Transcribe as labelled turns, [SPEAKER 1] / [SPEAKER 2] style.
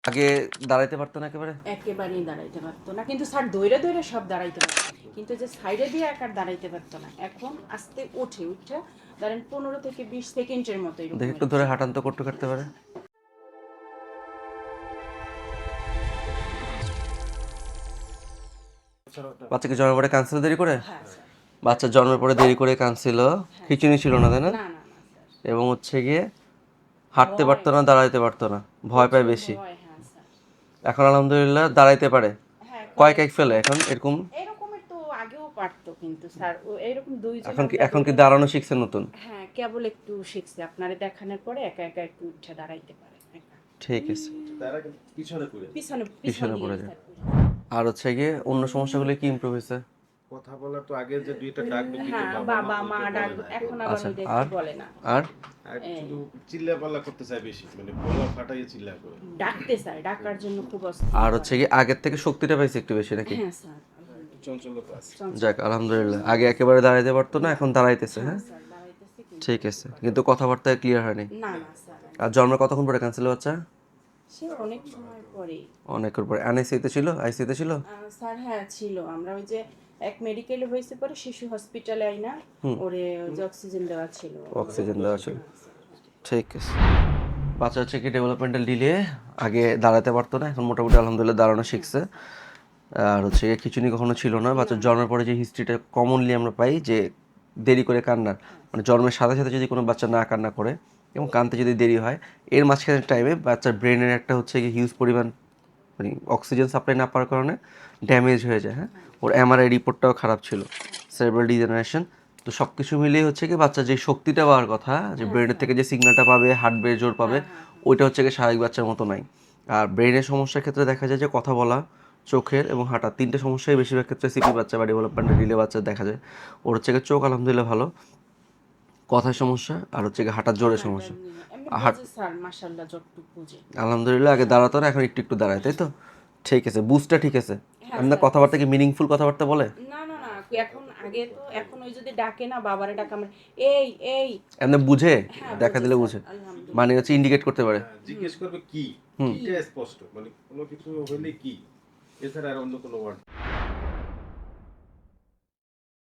[SPEAKER 1] আগে দাঁড়াইতে পারতো না একেবারে?
[SPEAKER 2] একেবারেই দাঁড়াইতে পারতো না, কিন্তু স্যার দৌড়ে দৌড়ে সব দাঁড়াইতে পারতো, কিন্তু যে সাইডে দিয়ে একার দাঁড়াইতে পারতো না। এখন আস্তে উঠে ধরেন 15 থেকে 20 সেকেন্ডের মতো এরকম।
[SPEAKER 1] দেখে একটু ধরে হাঁটান তো, করতে কাটতে পারে। বাচ্চাকে জন্মের পরে কাঁদছিল দেরি করে?
[SPEAKER 2] হ্যাঁ স্যার।
[SPEAKER 1] বাচ্চা জন্মের পরে দেরি করে কাঁদছিল, খিচুনি ছিল না তাই না?
[SPEAKER 2] না না না স্যার।
[SPEAKER 1] এবং হচ্ছে গিয়ে হাঁটতে পারতো না, দাঁড়াইতে পারতো না, ভয় পায় বেশি।
[SPEAKER 2] ভয়, হ্যাঁ স্যার।
[SPEAKER 1] এখন আলহামদুলিল্লাহ দাঁড়াইতে পারে।
[SPEAKER 2] হ্যাঁ,
[SPEAKER 1] কয় কেক ফেলে এখন এরকম?
[SPEAKER 2] এরকমের তো আগেও পারতো, কিন্তু স্যার ও এরকম দুইজন
[SPEAKER 1] এখন কি দাঁড়ানো শিখছে নতুন?
[SPEAKER 2] হ্যাঁ, কেবল একটু শিখছে, আপনারে দেখানোর পরে একা একা একটু উঠে দাঁড়াইতে পারে একা।
[SPEAKER 1] ঠিক আছে,
[SPEAKER 2] পিছনে
[SPEAKER 1] পিছনে
[SPEAKER 2] পিছনে
[SPEAKER 1] পড়ে
[SPEAKER 2] দিয়ে
[SPEAKER 1] যায়।
[SPEAKER 2] স্যার।
[SPEAKER 1] আর হচ্ছে গিয়ে অন্য সমস্যাগুলো কি ইমপ্রুভ হয়েছে?
[SPEAKER 3] কথা বলার তো আগে যে দুইটা ডাকবে কিন্তু
[SPEAKER 2] হ্যাঁ,
[SPEAKER 3] বাবা
[SPEAKER 2] বাবা মা
[SPEAKER 3] ওইটা
[SPEAKER 2] ডাক,
[SPEAKER 3] বলে না।
[SPEAKER 2] এখন আবার
[SPEAKER 1] আচ্ছা,
[SPEAKER 2] ওইটা
[SPEAKER 1] আর?
[SPEAKER 2] একটু বলে না।
[SPEAKER 1] আর
[SPEAKER 3] আর শুধু চিল্লা পাল্লা করতে চায় বেশি, মানে গলা ফাটাইয়ে চিল্লা করে।
[SPEAKER 2] ডাকতে স্যার, ডাকার জন্য খুব অস্থির।
[SPEAKER 1] আর হচ্ছে কি আগের থেকে শক্তিটা পাইছে একটু বেশি নাকি?
[SPEAKER 2] হ্যাঁ স্যার,
[SPEAKER 3] চঞ্চলতা আছে।
[SPEAKER 1] যাক আলহামদুলিল্লাহ, আগে একেবারে দাঁড়াইতে পারতো না, এখন দাঁড়াইতেছে। হ্যাঁ
[SPEAKER 2] স্যার দাঁড়াইতেছে কিন্তু
[SPEAKER 1] ঠিক আছে, কিন্তু কথাবার্তায় ক্লিয়ার হয়নি।
[SPEAKER 2] না না স্যার,
[SPEAKER 1] আর জন্মের কতক্ষণ পরে ক্যান্সেল বাচ্চা?
[SPEAKER 2] সে অনেক সময় পরে।
[SPEAKER 1] অনেকের পরে আইসিইউতে ছিল? আইসিইউতে ছিল?
[SPEAKER 2] স্যার হ্যাঁ ছিল, আমরা ওই যে এক মেডিকেলে হয়েছে, পরে শিশু হসপিটালে আইনা ওরে ওই যে অক্সিজেন দেওয়া ছিল।
[SPEAKER 1] অক্সিজেন দেওয়া ছিল। ঠিক আছে। বাচ্চা হচ্ছে কি ডেভেলপমেন্টাল ডিলে, আগে দাঁড়াতে পারতো না, এখন মোটামুটি আলহামদুলিল্লাহ দাঁড়ানো শিখছে। আর হচ্ছে গিয়ে খিচুনি কখনো ছিল না। বাচ্চার জন্মের পরে যে হিস্ট্রিটা কমনলি আমরা পাই যে দেরি করে কান্নার, মানে জন্মের সাথে সাথে যদি কোনো বাচ্চা না কান্না করে এবং কানতে যদি দেরি হয়, এর মাঝখানের টাইমে বাচ্চার ব্রেনের একটা হচ্ছে গিয়ে হিউজ পরিমাণ মানে অক্সিজেন সাপ্লাই না পাওয়ার কারণে ড্যামেজ হয়ে যায়। হ্যাঁ, ওর এমআরআই রিপোর্টটাও খারাপ ছিল, সেরেব্রাল ডিজেনারেশন। তো সব কিছু মিলিয়ে হচ্ছে কি বাচ্চার যে শক্তিটা পাওয়ার কথা, যে ব্রেনের থেকে যে সিগন্যালটা পাবে, হার্টবে জোর পাবে, ওইটা হচ্ছে কি স্বাভাবিক বাচ্চার মতো নাই। আর ব্রেনের সমস্যার ক্ষেত্রে দেখা যায় যে কথা বলা, চোখের এবং হাঁটা, তিনটে সমস্যাই বেশিরভাগ ক্ষেত্রে সিপি বাচ্চা বা ডেভেলপমেন্টাল ডিলে বাচ্চা দেখা যায়। ওর হচ্ছে গিয়ে চোখ আলহামদুলিল্লাহ ভালো, কথার সমস্যা, আর হচ্ছে গিয়ে হাঁটার জোরের সমস্যা।
[SPEAKER 2] এমনি বুঝে স্যার, মাশাআল্লাহ যতটুকু বুঝে।
[SPEAKER 1] আলহামদুলিল্লাহ আগে দাঁড়াতো না, এখন একটু একটু দাঁড়ায়, তাই তো? ঠিক আছে, বুঝটা ঠিক আছে। আপনার কথাবার্তা কি মিনিংফুল কথাবার্তা বলে?
[SPEAKER 2] না না না, এখন আগে তো, এখন ওই যদি ডাকে না, বাবারে ডাকে, আমরা এই এই
[SPEAKER 1] এমনি বুঝে,
[SPEAKER 2] হ্যাঁ,
[SPEAKER 1] দেখা দিলে
[SPEAKER 2] স্যার,
[SPEAKER 1] বুঝে,
[SPEAKER 2] আলহামদুলিল্লাহ।
[SPEAKER 1] মানে হচ্ছে ইন্ডিকেট করতে পারে।
[SPEAKER 3] জিজ্ঞেস করবে কি, কিটা স্পষ্ট, মানে কোনো কিছু হইলে কি, এছাড়া আর অন্য কোনো ওয়ার্ড